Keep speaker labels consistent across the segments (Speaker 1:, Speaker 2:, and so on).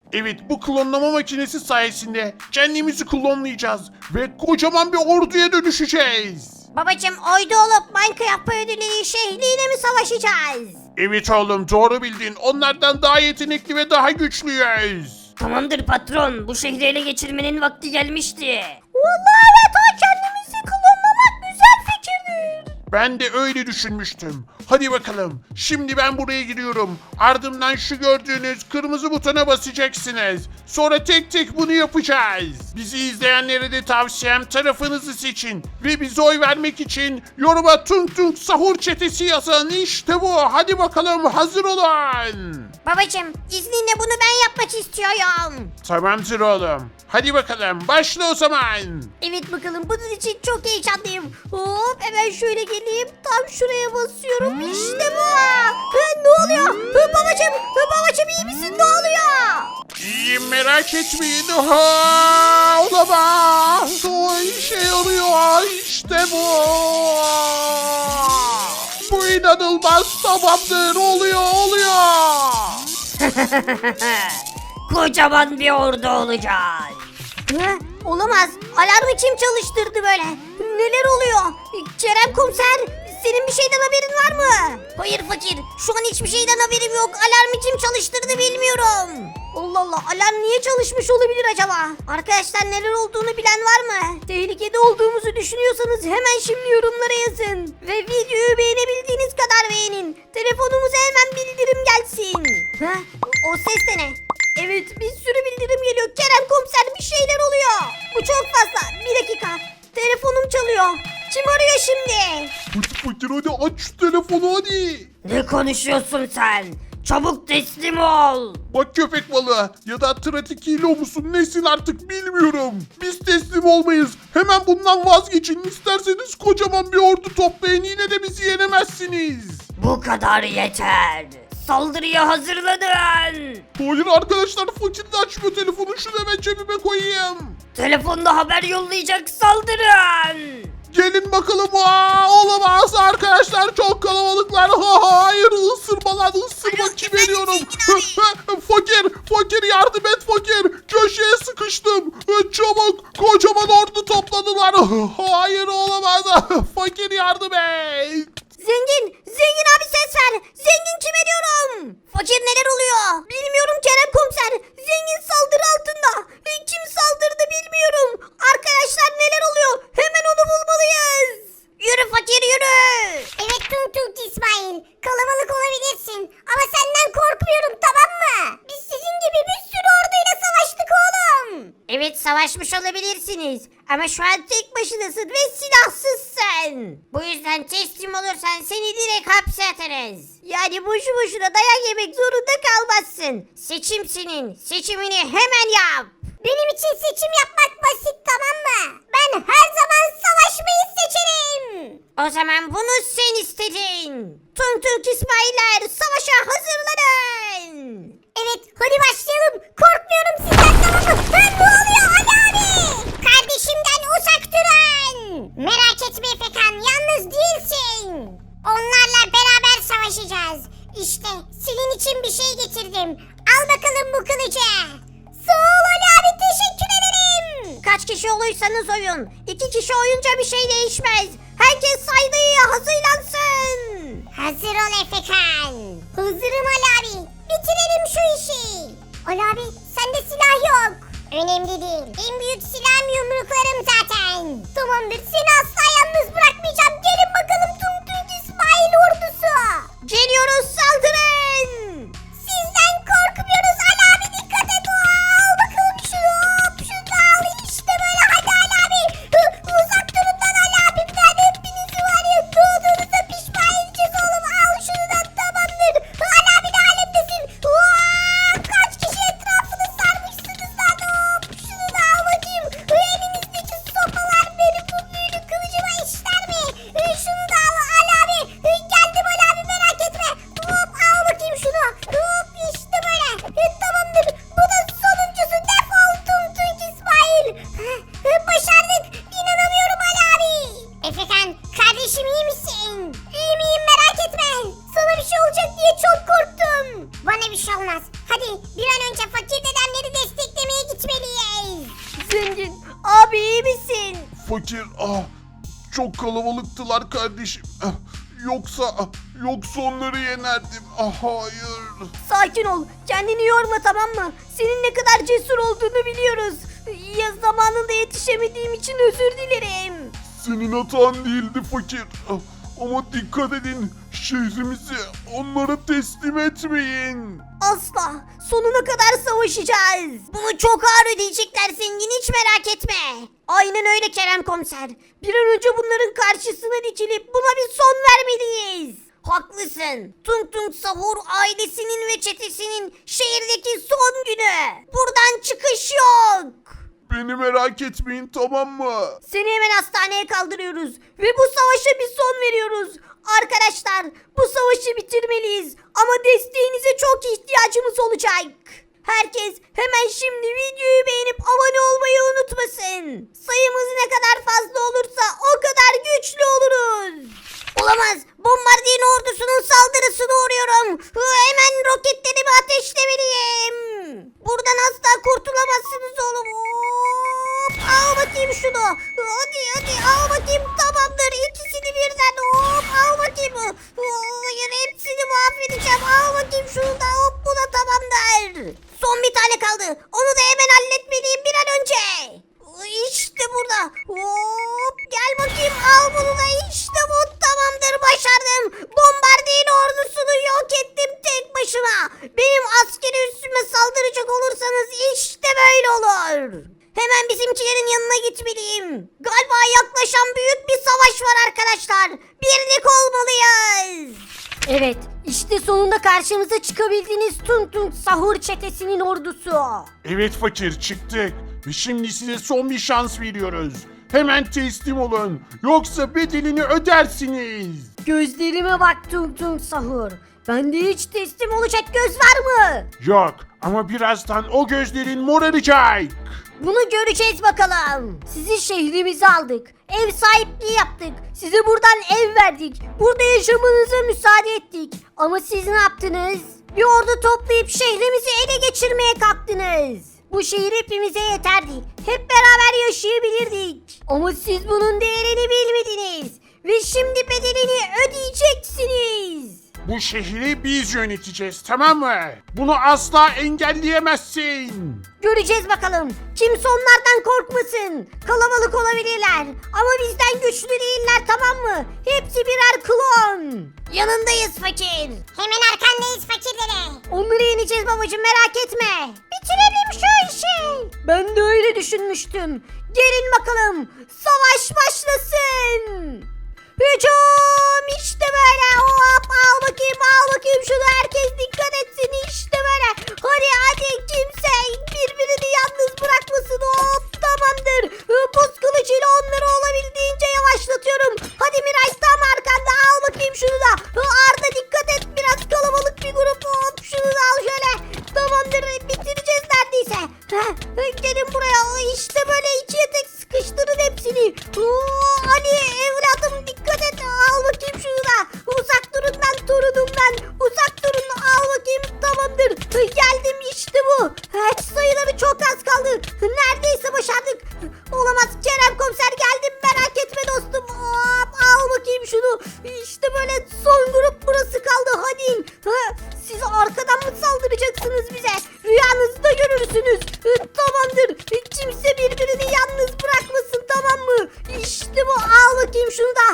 Speaker 1: Evet, bu klonlama makinesi sayesinde kendimizi klonlayacağız ve kocaman bir orduya dönüşeceğiz.
Speaker 2: Babacım oydu olup Minecraft ödülleri şehriyle mi savaşacağız?
Speaker 1: Evet oğlum, doğru bildin. Onlardan daha yetenekli ve daha güçlüyüz.
Speaker 3: Tamamdır patron, bu şehri ele geçirmenin vakti gelmişti.
Speaker 2: Vallahi evet kendimizi klonlamak güzel fikirdir.
Speaker 1: Ben de öyle düşünmüştüm. Hadi bakalım. Şimdi ben buraya giriyorum. Ardından şu gördüğünüz kırmızı butona basacaksınız. Sonra tek tek bunu yapacağız. Bizi izleyenlere de tavsiyem tarafınızı seçin. Ve bize oy vermek için yoruma Tung Tung Sahur Çetesi yazın. İşte bu. Hadi bakalım, hazır olun.
Speaker 2: Babacım izninle bunu ben yapmak istiyorum.
Speaker 1: Tamamdır oğlum. Hadi bakalım, başla o zaman.
Speaker 2: Evet bakalım bunun için çok heyecanlıyım. Hop hemen şöyle geleyim. Tam şuraya basıyorum. İşte bu. Ne oluyor? Babacım iyi misin? Ne oluyor?
Speaker 1: İyiyim, merak etmeyin. Ha, olamaz. O işe yarıyor. İşte bu. Bu inanılmaz. Tamamdır. Oluyor.
Speaker 3: Kocaman bir ordu olacağız.
Speaker 2: Olamaz. Alarmı kim çalıştırdı böyle? Neler oluyor? Kerem komiser senin bir şeyden haberin var mı? Hayır fakir. Şu an hiçbir şeyden haberim yok. Alarmı kim çalıştırdı bilmiyorum. Allah Allah, alarm niye çalışmış olabilir acaba? Arkadaşlar neler olduğunu bilen var mı? Tehlikede olduğumuzu düşünüyorsanız hemen şimdi yorumlara yazın. Ve videoyu beğenebildiğiniz kadar beğenin. Telefonumuza hemen bildirim gelsin. O ses de ne? Evet, bir sürü bildirim geliyor. Kerem komiser bir şeyler oluyor. Bu çok fazla. Bir dakika. Telefonum çalıyor. Kim arıyor şimdi?
Speaker 1: Fakir, hadi aç şu telefonu hadi.
Speaker 3: Ne konuşuyorsun sen? Çabuk teslim ol.
Speaker 1: Bak köpek balığı ya da trafik hilo musun nesin artık bilmiyorum. Biz teslim olmayız. Hemen bundan vazgeçin. İsterseniz kocaman bir ordu toplayın, yine de bizi yenemezsiniz.
Speaker 3: Bu kadar yeter. Saldırıya hazırlanın.
Speaker 1: Hayır arkadaşlar, fakir de açmıyor telefonu. Şunu hemen cebime koyayım.
Speaker 3: Telefonda haber yollayacak, saldırın.
Speaker 1: Gelin bakalım. Olamaz arkadaşlar, çok kalabalıklar. Hayır, ısırma kim veriyorum. Fakir yardım et fakir. Köşeye sıkıştım. Çabuk, kocaman ordu topladılar. Hayır, olamaz. Fakir yardım et.
Speaker 2: Zengin abi ses ver. Zengin kime diyorum? Fakir neler oluyor? Bilmiyorum Kerem komiser. Zengin saldırı altında. Kim saldırdı bilmiyorum. Arkadaşlar neler oluyor? Hemen onu bulmalıyız. Yürü fakir yürü.
Speaker 4: Evet Tung Tung İsmail. Kalabalık olabilirsin. Ama senden korkmuyorum, tamam mı? Biz sizin gibi bir sürü orduyla savaştık oğlum.
Speaker 2: Evet savaşmış olabilirsiniz. Ama şu an tek başınasın ve silahsızsın. Bu yüzden teslim olursan seni direkt hapse atarız. Yani boşu boşuna dayak yemek zorunda kalmazsın. Seçim senin. Seçimini hemen yap.
Speaker 4: Benim için seçim yapmak basit, tamam mı? Ben her zaman savaşmayı seçerim.
Speaker 2: O zaman bunu sen istedin. Tung Tung İsmailler savaşa hazırlanın.
Speaker 4: Evet, hadi başlayalım. Korkmuyorum sizden, tamam mı? Ne oluyor Ali abi? Kardeşimden uzak durun. Merak etme Efekan, yalnız değilsin. Onlarla beraber savaşacağız. İşte senin için bir şey getirdim. Al bakalım bu kılıcı. Sağ ol Ali abi, teşekkür ederim.
Speaker 2: Kaç kişi olursanız oyun. 2 kişi oyunca bir şey değişmez. Herkes saygıya hazırlansın.
Speaker 4: Hazır ol Efekan. Hazırım Ali abi. Bitirelim şu işi. Ali abi sende silah yok. Önemli değil. En büyük silahım yumruklarım zaten. Tamamdır, seni asla yalnız bırakmayacağım. Gelin bakalım Tung Tung İsmail ordusu.
Speaker 2: Geliyoruz saldırın.
Speaker 4: Sizden korkmuyoruz Ali abi, dikkat et. Al bakalım şunu. Hop, şunu da al. İşte böyle, hadi Ali abi. Uzak durun lan Ali abi. Ben hepinizi var ya doğduğunuza pişman edeceğiz oğlum. Al şunu da, tamamdır. Ali abi ne alemdesin? Kaç kişi etrafını sarmışsınız lan. Hop, şunu da al bakayım. Elinizdeki sopalar benim bu büyülü kılıcıma işler mi? Şunu da al Ali abi. Geldim Ali abi, merak etme.
Speaker 1: Fakir, çok kalabalıktılar kardeşim. Yoksa onları yenerdim. Hayır.
Speaker 2: Sakin ol. Kendini yorma, tamam mı? Senin ne kadar cesur olduğunu biliyoruz. Ya zamanında yetişemediğim için özür dilerim.
Speaker 1: Senin hatan değildi fakir. Ama dikkat edin. Şehrimizi onlara teslim etmeyin.
Speaker 2: Asla. Sonuna kadar savaşacağız. Bunu çok ağır ödeyecekler zengin, hiç merak etme. Aynen öyle Kerem Komiser. Bir an önce bunların karşısına dikilip buna bir son vermeliyiz. Haklısın. Tung Tung Sahur ailesinin ve çetesinin şehirdeki son günü. Buradan çıkış yok.
Speaker 1: Beni merak etmeyin, tamam mı?
Speaker 2: Seni hemen hastaneye kaldırıyoruz ve bu savaşa bir son veriyoruz. Arkadaşlar, bu savaşı bitirmeliyiz ama desteğinize çok ihtiyacımız olacak. Herkes hemen şimdi videoyu beğenip abone olmayı unutmasın. Sayımız ne kadar fazla olursa o kadar güçlü oluruz. Olamaz. Bombardiyen ordusunun saldırısına uğruyorum. Hemen roketlerimi ateşlemeliyim. Buradan asla kurtulamazsınız oğlum. Hop, al bakayım şunu. Hadi al bakayım, tamamdır. İkisini birden hop al bakayım. Hayır, hepsini mahvedeceğim. Al bakayım şunu da, hop, bu da tamamdır. Son bir tane kaldı. Onu da hemen halletmeliyim bir an önce. İşte burada. Hop, gel bakayım, al bunu da, işte bu, tamamdır, başardım. Bombardiyen ordusunu yok ettim tek başıma. Benim askeri üssüme saldıracak olursanız işte böyle olur. Hemen bizimkilerin yanına gitmeliyim. Galiba yaklaşan büyük bir savaş var arkadaşlar. Birlik olmalıyız. Evet, işte sonunda karşımıza çıkabildiğiniz Tung Tung Sahur çetesinin ordusu.
Speaker 1: Evet fakir, çıktık. Ve şimdi size son bir şans veriyoruz. Hemen teslim olun. Yoksa bedelini ödersiniz.
Speaker 2: Gözlerime bak Tung Tung Sahur. Bende hiç teslim olacak göz var mı?
Speaker 1: Yok, ama birazdan o gözlerin moraracak.
Speaker 2: Bunu göreceğiz bakalım. Sizi şehrimize aldık. Ev sahipliği yaptık. Size buradan ev verdik. Burada yaşamanıza müsaade ettik. Ama siz ne yaptınız? Bir ordu toplayıp şehrimizi ele geçirmeye kalktınız. Bu şehir hepimize yeterdi. Hep beraber yaşayabilirdik. Ama siz bunun değerini bilmediniz. Ve şimdi bedelini ödeyeceksiniz.
Speaker 1: Bu şehri biz yöneteceğiz, tamam mı? Bunu asla engelleyemezsin.
Speaker 2: Göreceğiz bakalım. Kimse onlardan korkmasın. Kalabalık olabilirler. Ama bizden güçlü değiller, tamam mı? Hepsi birer klon. Yanındayız fakir.
Speaker 4: Hemen arkandayız fakirlere.
Speaker 2: Onları yeneceğiz babacığım, merak etme. Bitirelim şu işi. Ben de öyle düşünmüştüm. Gelin bakalım. Savaş başlasın. Hücum, işte böyle. Hop, al bakayım şunu, herkes dikkat etsin, işte böyle. Hadi kimse birbirini yalnız bırakmasın. Hop, tamamdır. Buz kılıcıyla onları olabildiğince yavaşlatıyorum. Hadi Miray, tam arkanda, al bakayım şunu da. Arda dikkat et, biraz kalabalık bir grup. Hop, şunu da al şöyle. Tamamdır, bitireceğiz neredeyse. Gelin buraya, işte böyle ikiye tek sıkıştırın hepsini. Ali evladım, dikkat et, al bakayım şunu da. Uzak durun lan torunumdan, uzak durun, al bakayım, tamamdır. Geldim, işte bu. Sayıları çok az kaldı. Neredeyse başardık. Olamaz, Kerem Komiser geldim, merak etme dostum. Hop, al bakayım şunu. İşte böyle son grup burası kaldı, hadi. Siz arkadan mı saldıracaksınız bize? Rüyanızda görürsünüz. Tamamdır. Kimse birbirini yalnız bırakmasın, tamam mı? İşte bu, al bakayım şunu da.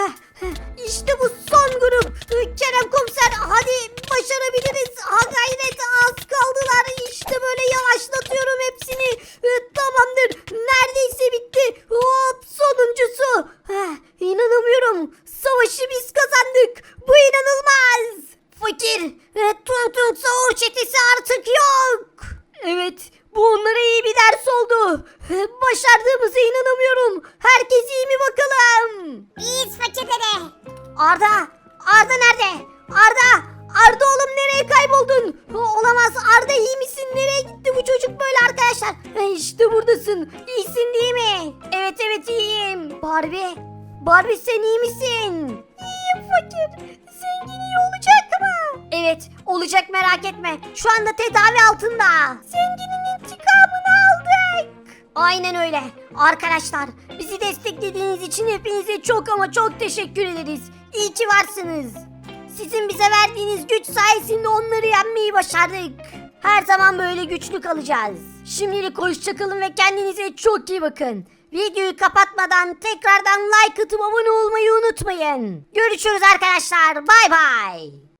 Speaker 2: İşte bu son grup. Kerem Komiser, hadi başarabiliriz. Ha gayret, az kaldılar. İşte böyle yavaşlatıyorum hepsini. Tamamdır. Neredeyse bitti. Hop, sonuncusu. İnanamıyorum. Savaşı biz kazandık. Bu inanılmaz. Fakir, Tung Tung Sahur çetesi artık yok. Evet, bu onlara iyi bir ders oldu. Başardığımıza inanamıyorum. Herkes iyi mi bakalım?
Speaker 4: İyiyiz fakirlere.
Speaker 2: Arda nerede? Arda oğlum, nereye kayboldun? Olamaz, Arda iyi misin? Nereye gitti bu çocuk böyle arkadaşlar? İşte buradasın. İyisin değil mi? Evet iyiyim. Barbie sen iyi misin? İyiyim fakir. Zengin iyi olacak mı? Evet olacak, merak etme. Şu anda tedavi altında. Zenginin intikamını aldık. Aynen öyle. Arkadaşlar, bizi desteklediğiniz için hepinize çok ama çok teşekkür ederiz. İyi ki varsınız. Sizin bize verdiğiniz güç sayesinde onları yenmeyi başardık. Her zaman böyle güçlü kalacağız. Şimdilik hoşçakalın ve kendinize çok iyi bakın. Videoyu kapatmadan tekrardan like atıp abone olmayı unutmayın. Görüşürüz arkadaşlar. Bay bay.